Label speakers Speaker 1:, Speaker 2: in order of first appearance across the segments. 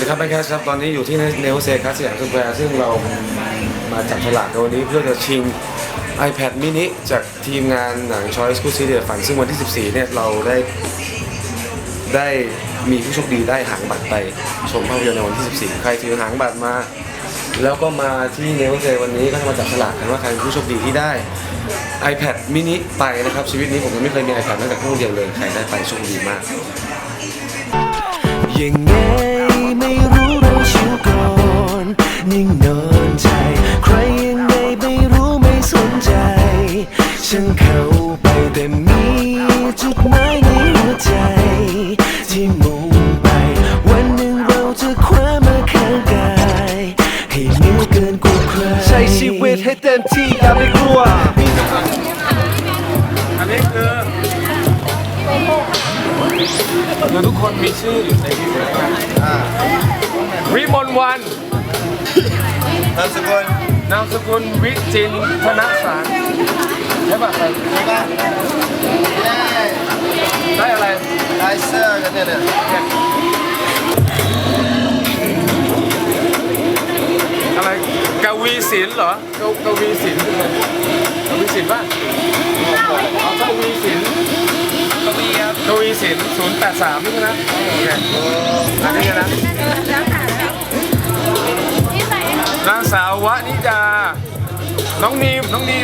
Speaker 1: ดีครับแบงค์แคสครับตอนนี้อยู่ที่เนวเซคัสสยามสแควร์ซึ่งเรามาจับฉลากในวันนี้เพื่อจะชิง iPad mini จากทีมงานหนัง Choice คู่ซีเดียฝันซึ่งวันที่ 14 เนี่ยเราได้มีผู้โชคดีได้หางบัตรไปชมภาพยนตร์ในวันที่ 14 ใครถือหางบัตรมาแล้วก็มาที่เนวเซวันนี้ก็จะมาจับฉลากกันว่าใครเป็นผู้โชคดีที่ได้ iPad mini ไปนะครับชีวิตนี้ผมยังไม่เคยมี iPad แม้แต่เครื่องเดียวเลยใครได้ไปโชคดีมาก
Speaker 2: ยังไงไม่รู้เราชิวก่อนนิ่งนอนใจใครยังไงไม่รู้ไม่สนใจฉันเข้าไปแต่มีจุดหมายในหัวใจที่มุ่งไปวันหนึ่งเราจะคว้ามาข้างกายให้เหนือเกินกว่าใครใช้ชีวิตให้เต็มที่อย่าไปกลัว
Speaker 1: อันนี้คือทุกคนมีชื่ออยู่ในที่นี้กันวิมลวันนามสกุลวิจินธนสารใช่ป่ะได้อะไร
Speaker 3: ได้เสื้อกันเนี่ย
Speaker 1: อะไรกวีศิลป์เหรอกวีศิลป์กวีศิลป์ป่ะเอากวีศิลป์กวีศิลป์083นี่นะโอเคอันนี้นะนางสาววนิดาน้องนีมไหม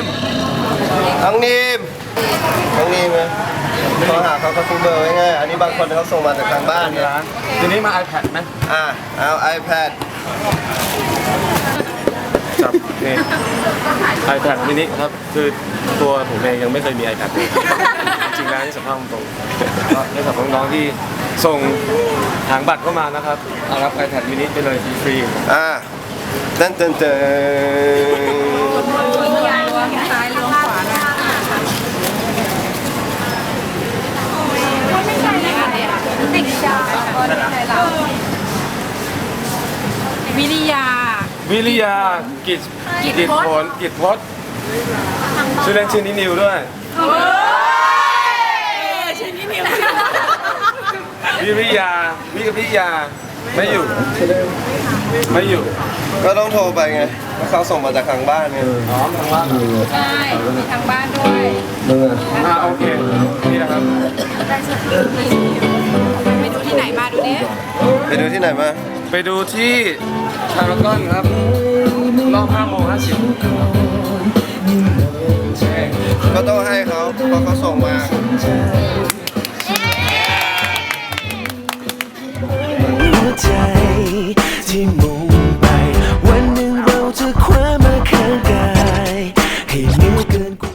Speaker 3: โทรหาเขาซื้อเบอร์ไว้ไงอันนี้บางคนเขาส่งมาจากทางบ้านนะ
Speaker 1: ทีนี้มา iPad ไหม
Speaker 3: เอา iPad
Speaker 1: จับนี่ iPad mini ครับคือตัวผมเองยังไม่เคยมี iPad เลยจริงๆแล้วนี่สัมภาษณ์ตรงๆในสำหรับน้องๆที่ส่งหางบัตรเข้ามานะครับเอารับ iPad mini ไปเลยฟรี
Speaker 3: เต้น
Speaker 4: ซ้ายลงขวานะไม่ใช่เลยค่ะติดดาววิริยา
Speaker 1: กิจผลชื่อเล่นชื่อนินิวด้วย
Speaker 4: ชื่อนี้นิว
Speaker 1: วิริยาไม่อยู่
Speaker 3: ก็ต้องโทรไปไงเขาส่งมาจากทางบ้านไง
Speaker 1: ทางบ้าน
Speaker 4: ใช่มีทางบ้านด้วย
Speaker 1: โอเคนี่นะครับ
Speaker 4: ไปดูที่ไหนมาดูดิ
Speaker 3: ไปดูที่ไหนมา
Speaker 1: ไปดูที่พารากอนครับรอบ5:50
Speaker 3: ก็ต้องให้เขาเพราะเขาส่งมา
Speaker 2: หัวใจ